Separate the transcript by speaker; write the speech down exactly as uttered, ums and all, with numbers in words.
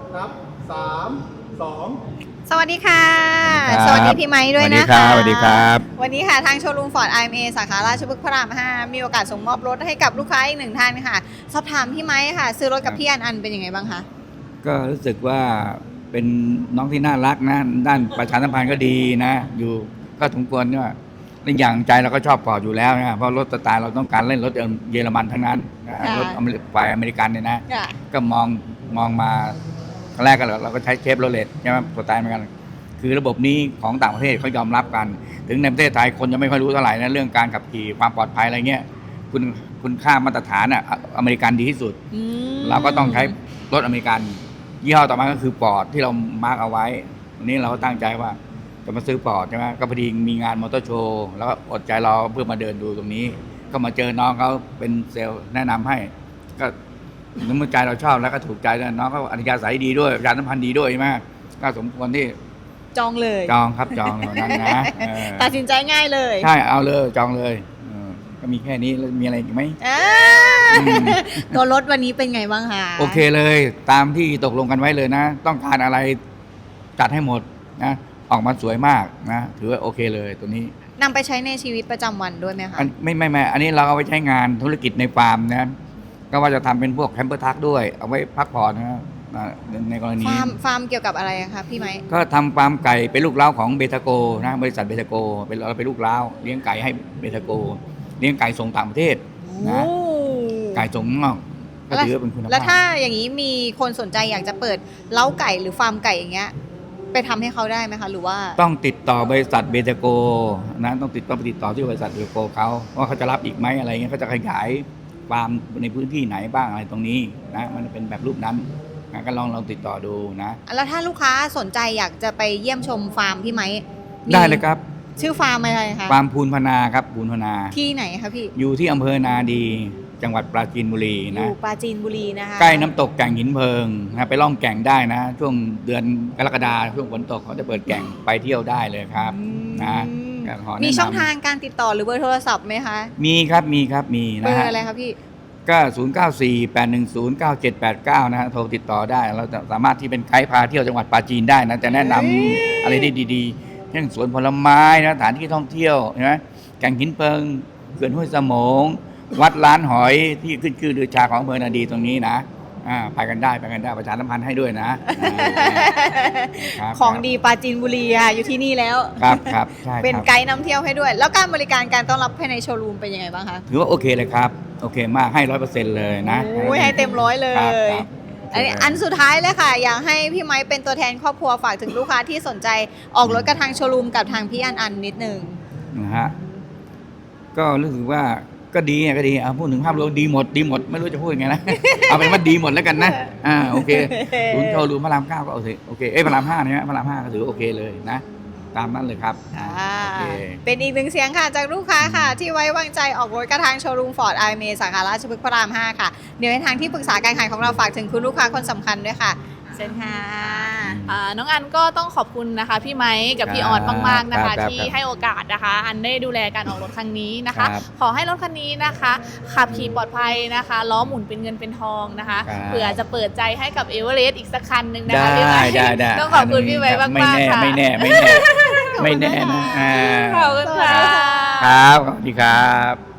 Speaker 1: ครับสามสอง
Speaker 2: สวัสดีค่ะ
Speaker 3: สวัสดีครับ
Speaker 2: สวัสดีพี่ไม้ด้วยนะคะ
Speaker 3: สวัสดีครับ
Speaker 2: วันนี้ค่ะทางโชว์รูมฟอร์ด ไอ เอ็ม เอ สาขาราชพฤกษ์พระรามห้ามีโอกาสส่งมอบรถให้กับลูกค้าอีกหนึ่งท่านค่ะสอบถามพี่ไม้ค่ะซื้อรถกับพี่อันอันเป็นยังไงบ้างคะ
Speaker 3: ก็รู้สึกว่าเป็นน้องที่น่ารักนะด้านประชาสัมพันธ์ก็ดีนะอยู่ก็สมควรเนี่ยในอย่างใจเราก็ชอบปอร์ดอยู่แล้วนะเพราะรถสไตล์เราต้องการเล่นรถเยอรมันทั้งนั้นนะรถฝ่ายอเมริกันเนี่ยนะก็มองมองมาแรกก็เราก็ใช้เชฟโรเลตใช่ไหมสไตล์เหมือนกันคือระบบนี้ของต่างประเทศเขายอมรับกันถึงในประเทศไทยคนยังไม่ค่อยรู้เท่าไหร่นะเรื่องการขับขี่ความปลอดภัยอะไรเงี้ยคุณคุณค่ามาตรฐานอ่ะอเมริกันดีที่สุดเราก็ต้องใช้รถอเมริกันยี่ห้อต่อมาก็คือปอร์ดที่เรามาร์กเอาไว้วันนี้เราก็ตั้งใจว่าจะมาซื้อปอร์ดใช่ไหมก็พอดีมีงานมอเตอร์โชว์แล้วก็อดใจรอเพื่อมาเดินดูตรงนี้ก็มาเจอน้องเขาเป็นเซลล์แนะนำให้ก็น้ำมือใจเราชอบแล้วก็ถูกใจแล้วน้องเขาอนุญาตสายดีด้วยประชาสัมพันธ์ดีด้วยใช่ไหมก็สมควรที่
Speaker 2: จองเลย
Speaker 3: จองครับจองเหล่านั้นนะ
Speaker 2: ตัดสินใจง่ายเลย
Speaker 3: ใช่เอาเลยจองเลยก็มีแค่นี้แล้วมีอะไรอีกไหม
Speaker 2: ตัวรถวันนี้เป็นไงบ้างคะ
Speaker 3: โอเคเลยตามที่ตกลงกันไว้เลยนะต้องการอะไรจัดให้หมดนะออกมาสวยมากนะถือว่าโอเคเลยตัวนี้
Speaker 2: นำไปใช้ในชีวิตประจำวันด้วยไหมคะ
Speaker 3: ไม่ไม่ไม่อันนี้เราเอาไปใช้งานธุรกิจในฟาร์มนะก็ว่าจะทำเป็นพวกแคมเปอร์ทักด้วยเอาไว้พักผ่อนนะในกรณี
Speaker 2: ฟาร์มฟาร์มเกี่ยวกับอะไรคะพี่ไม้
Speaker 3: ก็ทำฟาร์มไก่เป็นลูกเล้าของเบทาโกนะบริษัทเบทาโกเป็นเราเป็นลูกเล้าเลี้ยงไก่ให้เบทาโกเลี้ยงไก่ส่งต่างประเทศนะไก่ส่งนอกก็ถือว่าเป็นคุณภาพ
Speaker 2: แล้วถ้าอย่างนี้มีคนสนใจอยากจะเปิดเล้าไก่หรือฟาร์มไก่อย่างเงี้ยไปทำให้เขาได้ไหมคะหรือว่า
Speaker 3: ต้องติดต่อบริษัทเบทาโกนะต้องติดต้องไปติดต่อที่บริษัทเบทาโกเขาว่าเขาจะรับอีกไหมอะไรเงี้ยเขาจะขยายฟาร์มในพื้นที่ไหนบ้างอะไรตรงนี้นะมันเป็นแบบรูปนั้นนะก็ลองลองติดต่อดูนะ
Speaker 2: แล้วถ้าลูกค้าสนใจอยากจะไปเยี่ยมชมฟาร์มพี่ไม้
Speaker 3: ได้เลยครับ
Speaker 2: ชื่อฟาร์มอะไรคะ
Speaker 3: ฟาร์มพูนพนาครับพูนพนา
Speaker 2: ที่ไหนคะพี่
Speaker 3: อยู่ที่อำเภอนาดีจังหวัดปราจีนบุรีนะ
Speaker 2: อยู่ปราจีนบุรีนะคะ
Speaker 3: ใกล้น้ำตกแก่งหินเพลิงนะไปล่องแก่งได้นะช่วงเดือนกรกฎาคมช่วงฝนตกเขาจะเปิดแก่งไปเที่ยวได้เลยครับนะ
Speaker 2: มีช่องทางการติดต่อหรือเบอร์โทรศัพท์ไหมคะ
Speaker 3: มีครับมีครับมีนะ
Speaker 2: เบอร์อะไรครับพี่
Speaker 3: ก็ศูนย์ เก้า สี่ แปด หนึ่ง ศูนย์ เก้า เจ็ด แปด เก้านะฮะโทรติดต่อได้เราสามารถที่เป็นไกด์พาเที่ยวจังหวัดปราจีนได้นะจะแนะนำอะไรได้ดีๆเช่นสวนผลไม้นะสถานที่ท่องเที่ยวใช่ไหมแก่งหินเพลิงเขื่อนห้วยสมงวัดล้านหอยที่ขึ้นชื่อลือชาของอำเภอนาดีตรงนี้นะอ่าไปกันได้ไปกันได้ประชาสัมพันธ์ให้ด้วยนะ
Speaker 2: ของดีปราจีนบุรีอ่ะอยู่ที่นี่แล้ว
Speaker 3: ครับครับใช่
Speaker 2: เป็นไกด์นำเที่ยวให้ด้วยแล้วการบริการการต้อนรับภายในโชว์รูมเป็นยังไงบ้างคะ
Speaker 3: ถือว่าโอเคเลยครับโอเคมากให้ร้อยเปอร์เซ็นต์เลยนะ
Speaker 2: โอ้ยให้เต็มร้อยเลยอันนี้อันสุดท้ายเลยค่ะอยากให้พี่ไม้เป็นตัวแทนครอบครัวฝากถึงลูกค้าที่สนใจออกรถกับทางโชว์รูมกับทางพี่อันอันนิดนึง
Speaker 3: นะฮะก็รู้สึกว่าก็ดีก็ดีเอาพูดถึงภาพรวมดีหมดดีหมดไม่รู้จะพูดยังไงนะเอาเป็นว่าดีหมดแล้วกันนะอ่าโอเคศูนย์โชว์รูมพระรามเก้าก็โอเคโอเคเอ้ยพระรามห้าเนี่ยพระรามห้าก็ถือโอเคเลยนะตามนั้นเลยครับ
Speaker 2: เป็นอีกหนึ่งเสียงค่ะจากลูกค้าค่ะที่ไว้วางใจออกรถกระทางโชว์รูมฟอร์ด ไอ เอ็ม เอ สาขาราชพฤกษ์พระรามห้าค่ะเดี๋ยวในทางที่ปรึกษาการขายของเราฝากถึงคุณลูกค้าคนสำคัญด้วยค่ะเชิญค่ะ
Speaker 4: น้องอันก็ต้องขอบคุณนะคะพี่ไม้กับพี่ออดมากๆนะคะที่ให้โอกาสนะคะอันได้ดูแลการออกรถครั้งนี้นะคะขอให้รถคันนี้นะคะขับขี่ปลอดภัยนะคะล้อหมุนเป็นเงินเป็นทองนะคะเผื่อจะเปิดใจให้กับเอเวอเรสต์อีกสักคันหนึ่งนะคะพี่ไม้ต้องขอบคุณพี่ไม้มากๆค่ะ
Speaker 3: ไม่แน่ไม่แน่ไม่แน่นะ
Speaker 4: ขอบคุณค่ะ
Speaker 3: ครับสวัสดีครับ